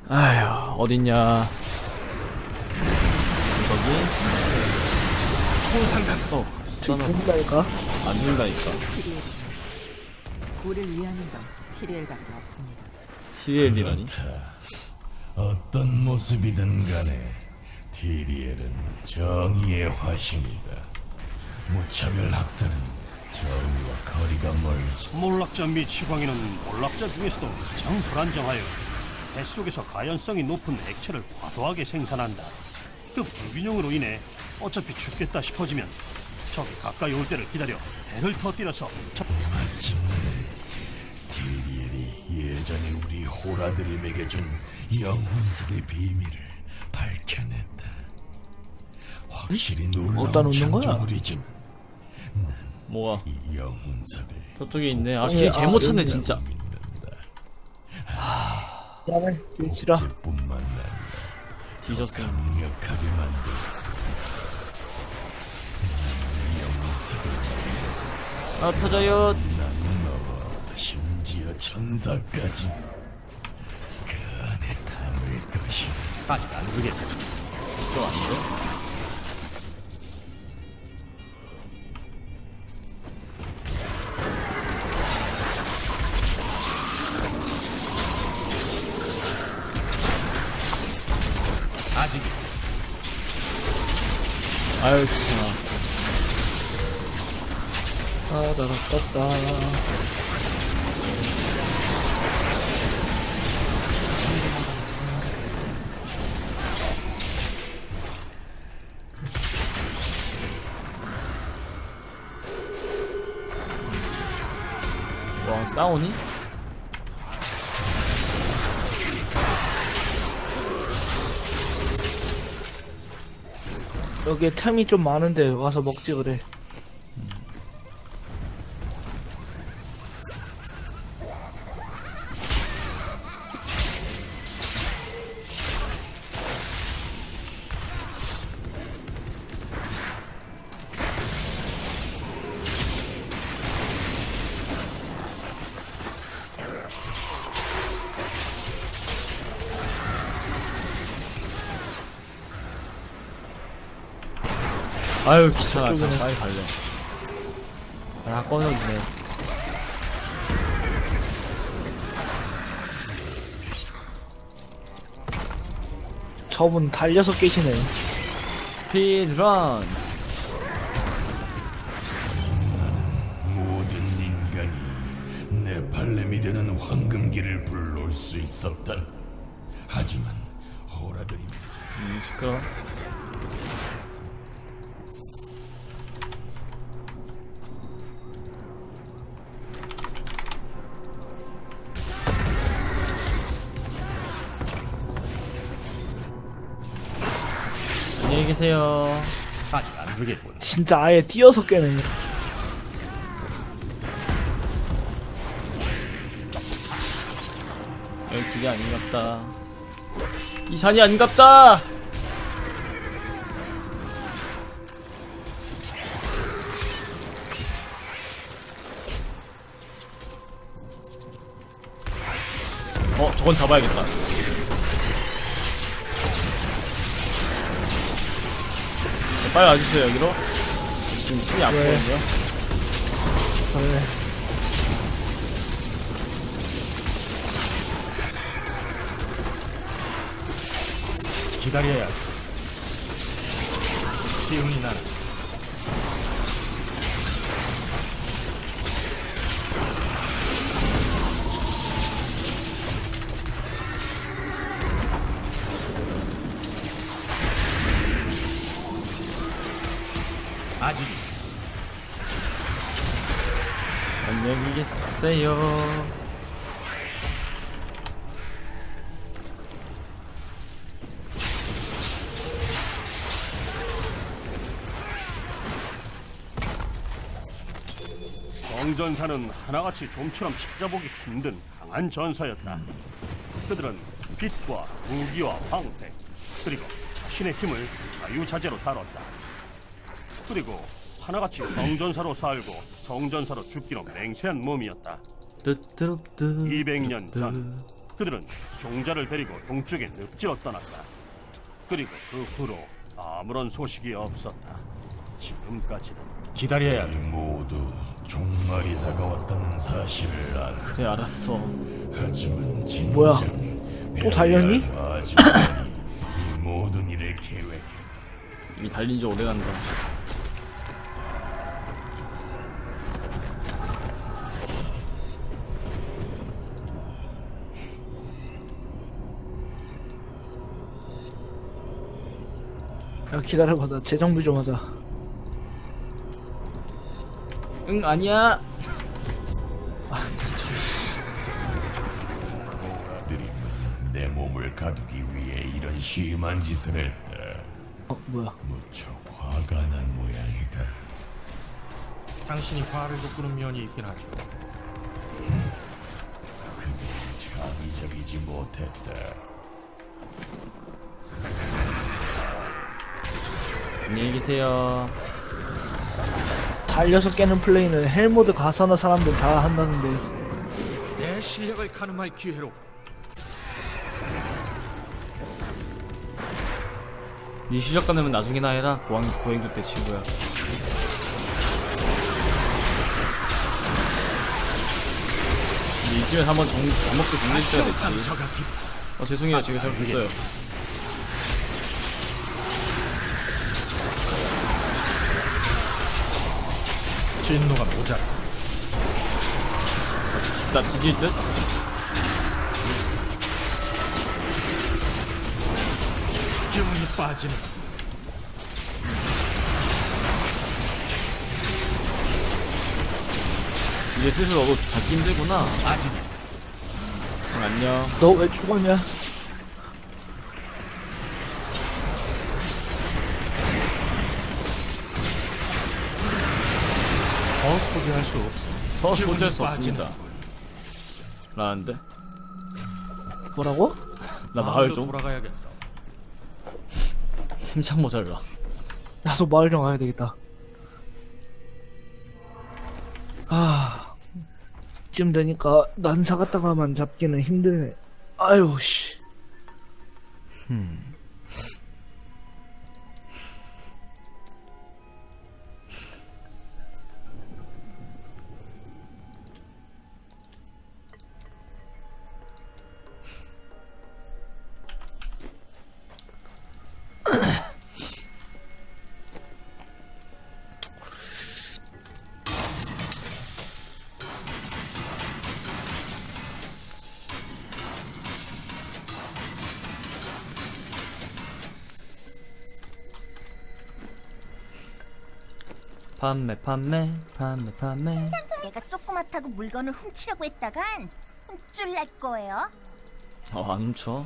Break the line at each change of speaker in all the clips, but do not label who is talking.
아휴, 어딨냐. 저기?
죽는다니까?
안 죽는다니까.
우리를 위하는 건 티리엘밖에 없습니다.
시리엘이라니?
그렇다. 어떤 모습이든 간에 티리엘은 정의의 화신이다. 무차별 학살은 정의와 거리가 멀지.
몰락자 및 시광이는 몰락자 중에서도 가장 불안정하여 뱃속에서 가연성이 높은 액체를 과도하게 생산한다. 그 불균형으로 인해 어차피 죽겠다 싶어지면 적이 가까이 올 때를 기다려 배를 터뜨려서
마침내 티리엘이 예전에 우리 호라드림에게 준 영혼석의 비밀을 밝혀냈다. 확실히
어디다
놀라운
놓는 거야?
창조물이지만
뭐가?
이 영혼석을
저쪽에 있네. 아,
아니,
길 잘못 찾네,
여기야.
진짜.
믿는다.
야말 길치라.
뿐만 아니라
뒤졌음.
강력하게 만들 수 있는 영혼석을
아, 터져요.
나는 너와 심지어 천사까지 그 안에 담을 것이다.
아직 안 그겠다.
좀 아닌데?
아직
아유, 귀찮아.
따다라따따.
와, 싸우니?
여기에 템이 좀 많은데 와서 먹지 그래.
아유, 귀찮아.
저쪽이네.
빨리 갈래. 아, 꺼내주네.
저분 달려서 깨시네.
스피드런.
모든 인간이 네팔레미드는 황금기를 불러올 수 있었다. 하지만 호라드림
시끄러. 안녕히 계세요.
아직 안 그겠군.
진짜 아예 뛰어서 깨네.
여기 길이 아닌갑다. 이 산이 아닌갑다. 저건 잡아야겠다. 빨리 와주세요, 여기로. 지금 신이 아프거든요.
그래.
기다려야 해. 기운이 나는 아직
안녕히 계세요.
정전사는 하나같이 좀처럼 찾아보기 힘든 강한 전사였다. 그들은 빛과 무기와 방패 그리고 자신의 힘을 자유자재로 다뤘다. 그리고 하나같이 성전사로 살고 성전사로 죽기로 맹세한 몸이었다. 200년 전 그들은 종자를 데리고 동쪽에 늪지어 떠났다. 그리고 그 후로 아무런 소식이 없었다. 지금까지는.
기다려야
우리 모두 종말이 다가왔다는 사실을 알아.
그래 알았어.
하지만 진정
뭐야? 또 달렸니?
아주머니 이 모든 일을 계획해.
이미 달린 지 오래간다.
야 기다려봐, 나 재정비 좀 하자.
응 아니야.
오라들이 내 몸을 가두기 위해 이런 심한 짓을 했다.
뭐야?
무척 화가 난 모양이다.
당신이 화를 돋구는 면이 있긴 하죠.
그게 창의적이지 못했다.
안녕히 계세요.
달려서 깨는 플레이는 헬모드 가사나 사람들 다 한다는데
내 실력을 가늠할 기회로.
네 실력 가능면 나중에나 해라. 고행도 때 친구야. 근데 이쯤에서 한번 감옥도 정리해줘야 됐지. 죄송해요. 제가 잘못했어요.
진노가 모자라.
나 뒤질 듯?
기운이 빠지는.
이제 슬슬 너도 잡기 힘들구나.
아직
응, 안녕.
너 왜 죽었냐?
더 소지할 수 없어.
더
기운이
소지할 수
빠지는.
없습니다. 라는데?
뭐라고?
나 마을
마을로
좀
돌아가야겠어.
힘창 모자라.
나도 마을 좀 가야 되겠다. 아, 이쯤 되니까 난사 갔다가만 잡기는 힘드네. 아유 씨.
판매.
내가 조그맣다고 물건을 훔치려고 했다간 훔줄 날 거예요.
안 훔쳐.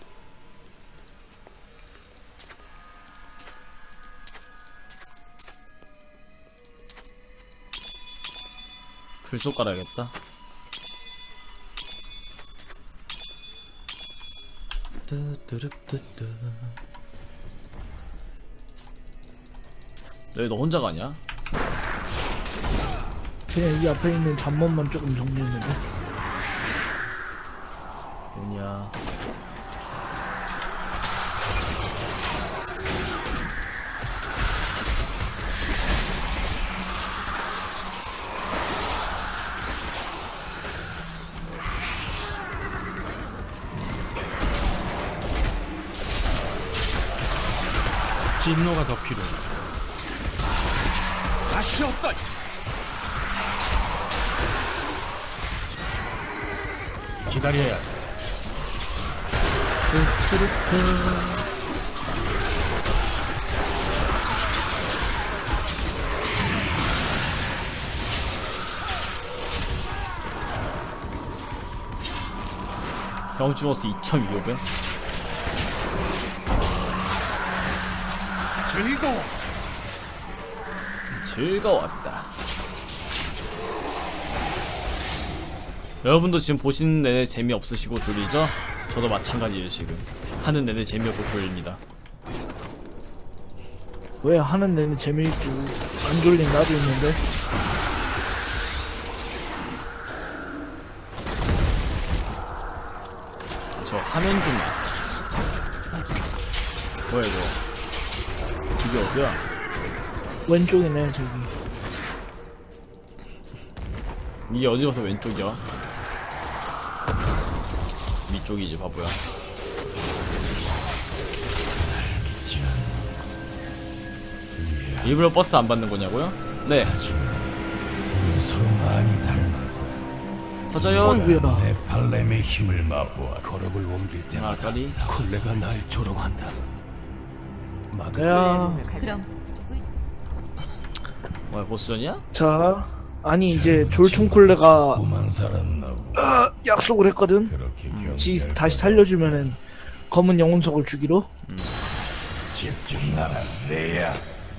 불속 깔아야겠다. 뚜뚜루뚜뚜. 너 혼자 가냐?
그냥 이 앞에 있는 잠몬만 조금 정리했는데.
뭐냐?
진노가 더 필요해. 다시 없다. 기다려야 돼.
경주로스 2,200?
즐거워.
즐거웠다. 여러분도 지금 보시는 내내 재미없으시고 졸리죠? 저도 마찬가지예요. 지금 하는 내내 재미없고 졸립니다.
왜 하는 데는 재미있고 안 졸린 나도 있는데.
화면 좀 뭐야 이거? 이게 어디야?
왼쪽이네 저기.
이게 어디 가서 왼쪽이야? 위쪽이지 바보야. 일부러 버스 안 받는 거냐고요? 네.
우리 서로 많이 닮았다.
터져요.
어이구야.
내 발렘의 힘을 맛보아. 걸음을 옮길 때마다
아까리.
콜레가 날 조롱한다.
야,
그럼
뭐야 보스전이야?
자, 아니 이제 졸퉁쿨레가
도망 살았나 보.
약속을 했거든.
그렇게
다시 살려주면은 검은 영혼석을 주기로.
집중하라, 레야.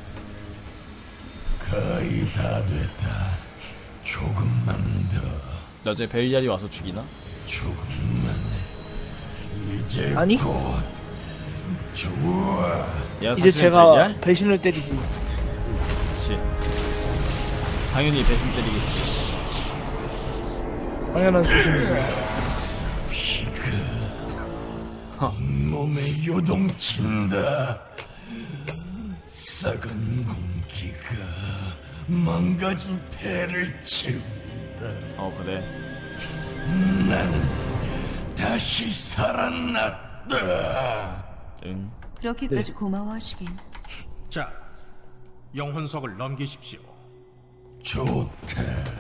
거의 다 됐다. 조금만 더.
나중에 벨리알이 와서 죽이나?
조금만. 이제
아니?
곧 좋아.
얘가
이제
사실은
제가
벨리알?
배신을 때리지.
그치. 당연히 배신 때리겠지.
당연한 수순이지.
피가 온몸에 요동친다. 썩은 공기가 망가진 폐를 채운다.
그래.
나는 다시 살아났다.
응.
그렇게까지 고마워하시긴.
자, 영혼석을 넘기십시오.
좋다.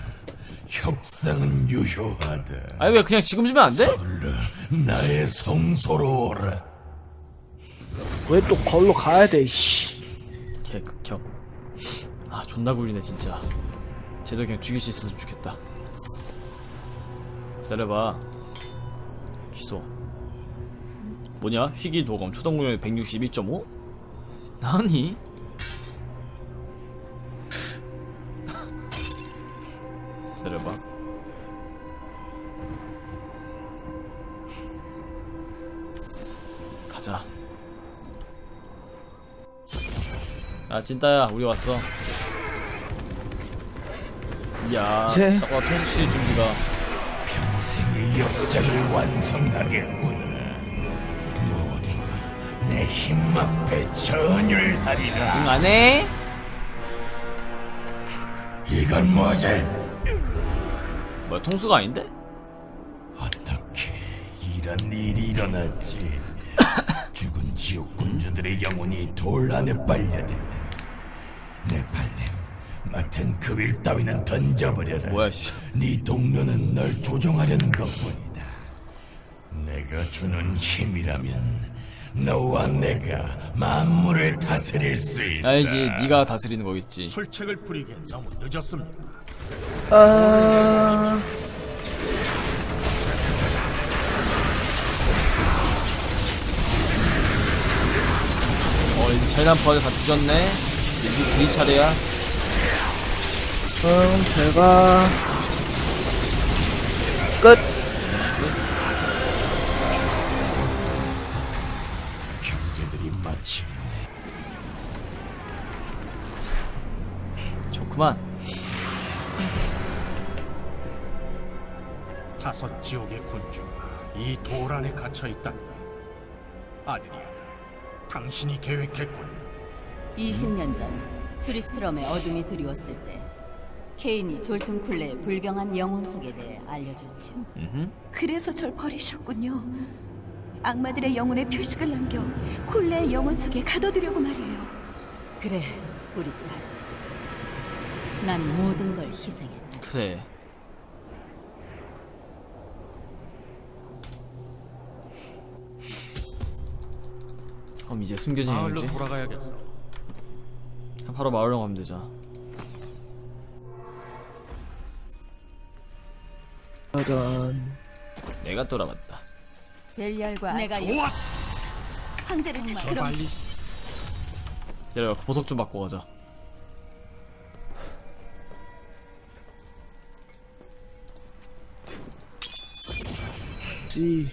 협상은 유효하다.
아니 왜 그냥 지금 주면 안 돼?
서둘러 나의 성소로 오라.
왜 또 걸로 가야 돼? 씨.
개극혐. 아 존나 굴리네 진짜. 쟤도 그냥 죽일 수 있었으면 좋겠다. 기다려봐. 취소. 뭐냐? 희귀 도검 초동공격 161.5? 나니? 기다려봐. 가자. 아 찐따야 우리 왔어. 이야
이제?
딱 와 통수씨 준비가.
평생의 역작을 완성하겠군. 모두 내 힘 앞에 전율하리라.
응 안해?
이건 뭐지?
뭐야 통수가 아닌데?
어떻게 이런 일이 일어났지? 죽은 지옥 군주들의 영혼이 돌 안에 빨려든다. 내 발렘 맡은 그 윌 따위는 던져버려라.
뭐야 씨.
네 동료는 널 조종하려는 것뿐이다. 내가 주는 힘이라면 너와 내가 만물을 다스릴 수 있다.
알지 네가 다스리는 거겠지.
술책을 부리기엔 너무 늦었습니다.
아,
이제 차이남파가 다 뒤졌네. 이제 둘이 차례야.
제가 끝.
형제들이 마침내
좋구만.
다섯 지옥의 군주가 이 돌 안에 갇혀 있다니. 아들이야, 당신이 계획했군.
20년 전 트리스트럼의 어둠이 드리웠을 때 케인이 졸퉁쿨레의 불경한 영혼석에 대해 알려줬죠.
그래서 절 버리셨군요. 악마들의 영혼의 표식을 남겨 쿨레의 영혼석에 가둬두려고 말이에요.
그래, 우리 딸. 난 모든 걸 희생했다.
그래. 그럼 이제 숨겨진
마을로
행지.
돌아가야겠어.
바로 마을로 가면 되자.
짜잔.
내가 돌아왔다.
벨리알과
내가
황제를 찾아. 그럼
빨리
기다려 보석 좀 받고 가자.
지.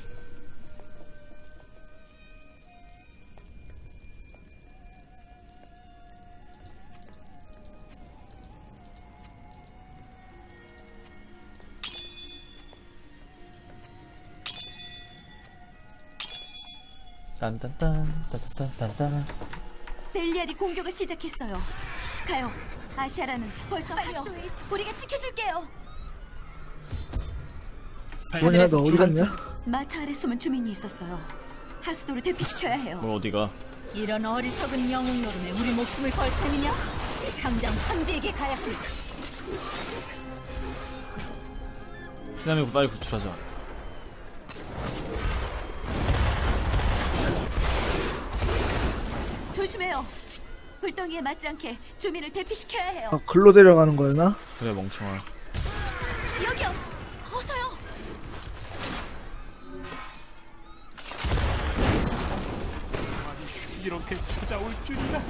딴딴딴 딴딴딴딴.
벨리알이 공격을 시작했어요. 가요. 아시아라는 벌써 하수도에 있어. 우리가 지켜줄게요.
뭐냐 너 어디 갔냐?
마차 아래 숨은 주민이 있었어요. 하수도를 대피시켜야 해요.
뭐 어디가?
이런 어리석은 영웅 노름에 우리 목숨을 걸 셈이냐? 당장 황제에게 가야 합니다.
피라미 빨리 구출하자.
조심해요. 불덩이에 맞지 않게 주민을 대피시켜야 해요.
아 글로 데려가는 거였나?
그래 멍청아.
여기요. 어서요.
이렇게 찾아올 줄이야.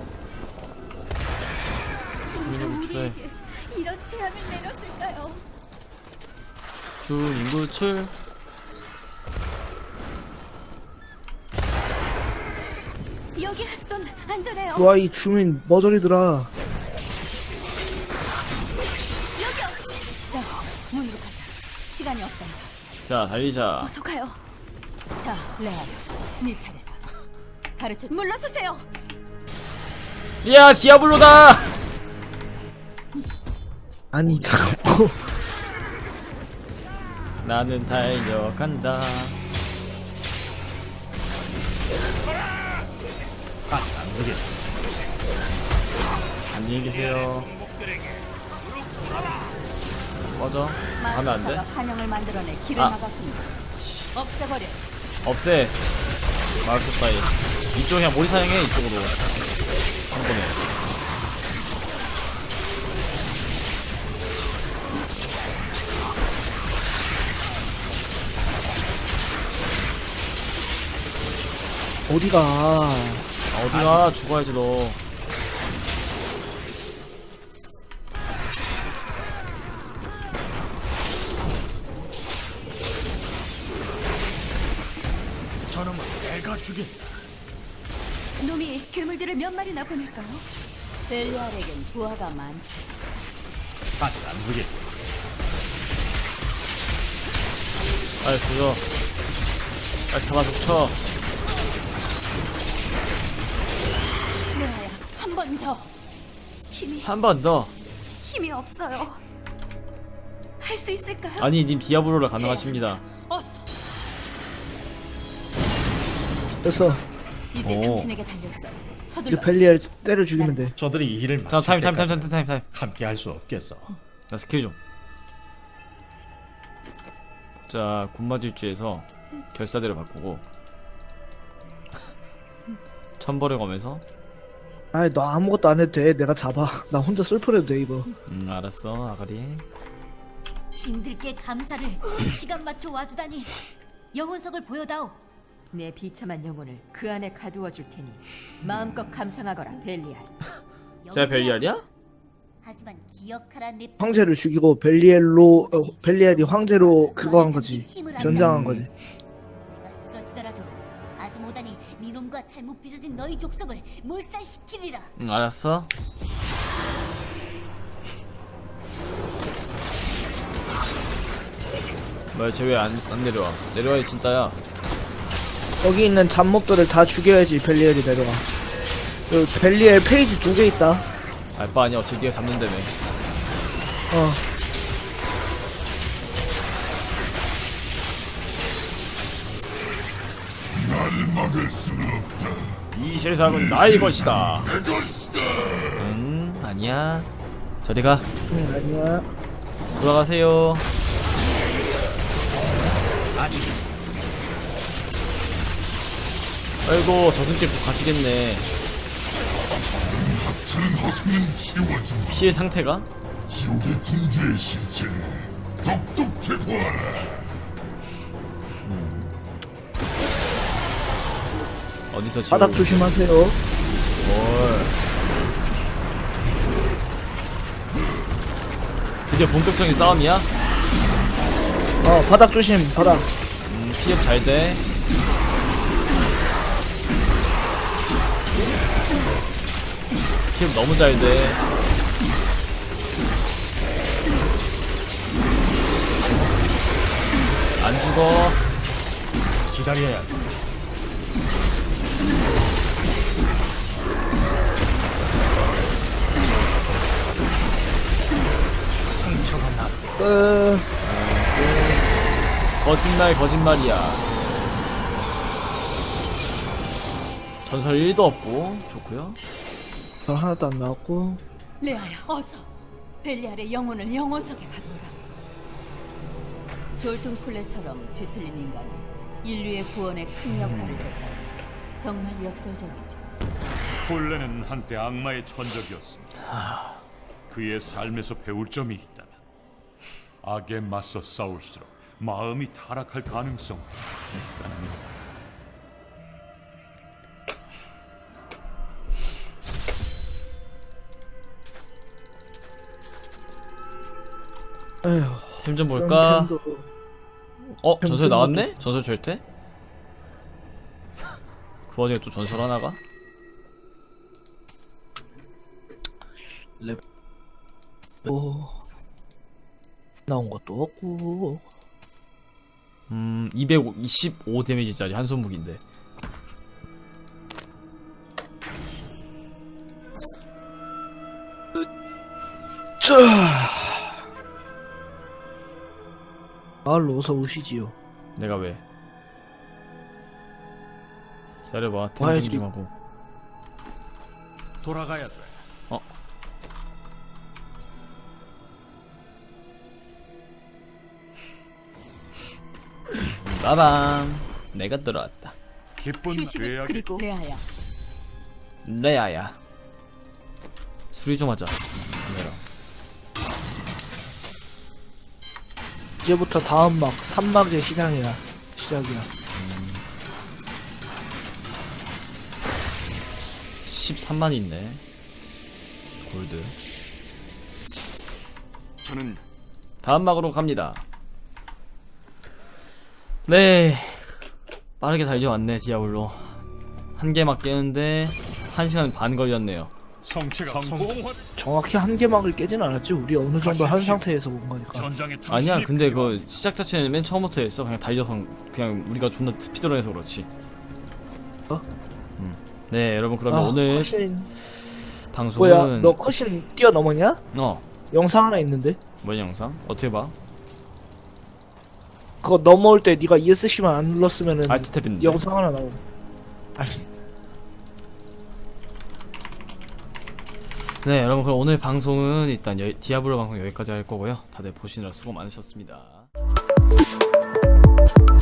주민을 구출해.
우리에게 이런 제안을 내렸을까요?
주민 구출.
여기 하수도는 안전해요.
와 이 주민 머저리더라.
여기요.
자, 문으로 가자. 시간이 없단다.
자 달리자.
어서 가요.
자, 레아, 네 차례다. 가르쳐.
물러서세요.
야 디아블로다.
아니 자꾸
나는 달려간다. 안녕히 계세요. 꺼져. 가면 안 돼?
마술사가 환영을 만들어내 길을
아.
막았습니다. 없애버려.
없애. 마을속 따위. 이쪽 그냥 몰이 사용해 이쪽으로. 한 번에.
어디가?
어디가 죽어야지 너.
저놈은 내가 죽인다.
놈이 괴물들을 몇 마리나 보낼까요?
벨리알에겐 부하가 많지.
아직 안 되겠.
빨리 죽여. 빨리 잡아 죽쳐.
레아야, 한 번 더.
한 번 더.
힘이 없어요. 할 수 있을까요?
아니 님 디아블로라 가능하십니다.
어서.
됐어.
이제
오.
당신에게 달렸어.
이제
서둘러.
벨리알 때려 죽이면 돼.
저들이 이 일을
자
마칠
타임.
때까지 함께 할 수 없겠어.
나 스킬 좀. 자 군마질주에서 결사대를 바꾸고 천벌을 검에서.
아이 너 아무것도 안 해도 돼. 내가 잡아. 나 혼자 슬퍼해도 돼 이거.
알았어 아가리.
힘들게 감사를 시간 맞춰 와주다니. 영혼석을 보여다오. 내 비참한 영혼을 그 안에 가두어 줄 테니 마음껏 감상하거라 벨리알.
제가 벨리알이야?
하지만 기억하라 내
황제를 죽이고 벨리알이 황제로 그거 한 거지. 변장한 거지.
내가 쓰러지더라도 아즈모단이 네 놈과 잘못 빚어진 너희 족속을 몰살시키리라.
알았어. 뭐야 쟤 왜 안 내려와? 내려와야 진짜야.
여기 있는 잡몹들을 다 죽여야지 벨리알이 내려가. 여기 벨리알 페이지 2개 있다.
알바 아니야 어차피 네가 잡는다며.
어.
이 세상은 나의 것이다. 아니야. 저리 가.
아니야.
돌아가세요. 아이고 저승길 가시겠네.
저는 허생은 지워진
피해 상태가?
지옥의 군주의 실체를 똑똑히 보아라.
어디서 지워?
바닥 조심하세요.
뭘? 드디어 본격적인 싸움이야?
바닥 조심. 바닥.
피업 잘 돼. 피업 너무 잘 돼. 안 죽어.
기다려야 돼. 상처가 나.
거짓말이야. 전설 1도 없고 좋고요.
전 하나도 안 나왔고.
레아야, 어서 벨리알의 영혼을 영혼석에 가둬라. 졸튼 쿨레처럼 뒤틀린 인간이 인류의 구원에 큰 역할을 줬다. 정말 역설적이죠.
콜레는 한때 악마의 천적이었습니다. 그의 삶에서 배울 점이 있다면 악에 맞서 싸울수록 마음이 타락할 가능성이 있다는 것.
에휴.
템 좀 볼까?
템도
전설 나왔네? 전설 절대? 그 와중에 또 전설 하나가?
나온 것도 없고.
225 데미지짜리 한손 무기인데.
자, 마을로 어서 오시지요.
내가 왜? 기다려봐.
와야지.
템 좀 하고.
돌아가야 돼.
빠밤. 내가 들어왔다.
기쁜
휴식을
죄악이
그리고 레아야,
레아야. 수리 좀 하자. 카메라.
이제부터 다음 막 3막의 시작이야.
13만 있네. 골드.
저는
다음 막으로 갑니다. 네, 빠르게 달려왔네. 디아블로 한 개 막 깨는데 1시간 반 걸렸네요.
성체가 성공한
정확히 한 개막을 깨진 않았지. 우리 어느 정도 한 상태에서 본 거니까.
전장에
아니야, 근데 그 시작 자체는 맨 처음부터 했어. 그냥 달려서 그냥 우리가 존나 스피드런해서 그렇지.
어?
네, 여러분 그러면 오늘
컷신
방송은
뭐야? 너 컷신 뛰어넘었냐? 영상 하나 있는데.
뭔 영상? 어떻게 봐?
그거 넘어올 때 네가 ESC만 안 눌렀으면은
알트 스텝인데.
영상 하나 나오.
네, 여러분 그럼 오늘 방송은 일단 디아블로 방송 여기까지 할 거고요. 다들 보시느라 수고 많으셨습니다.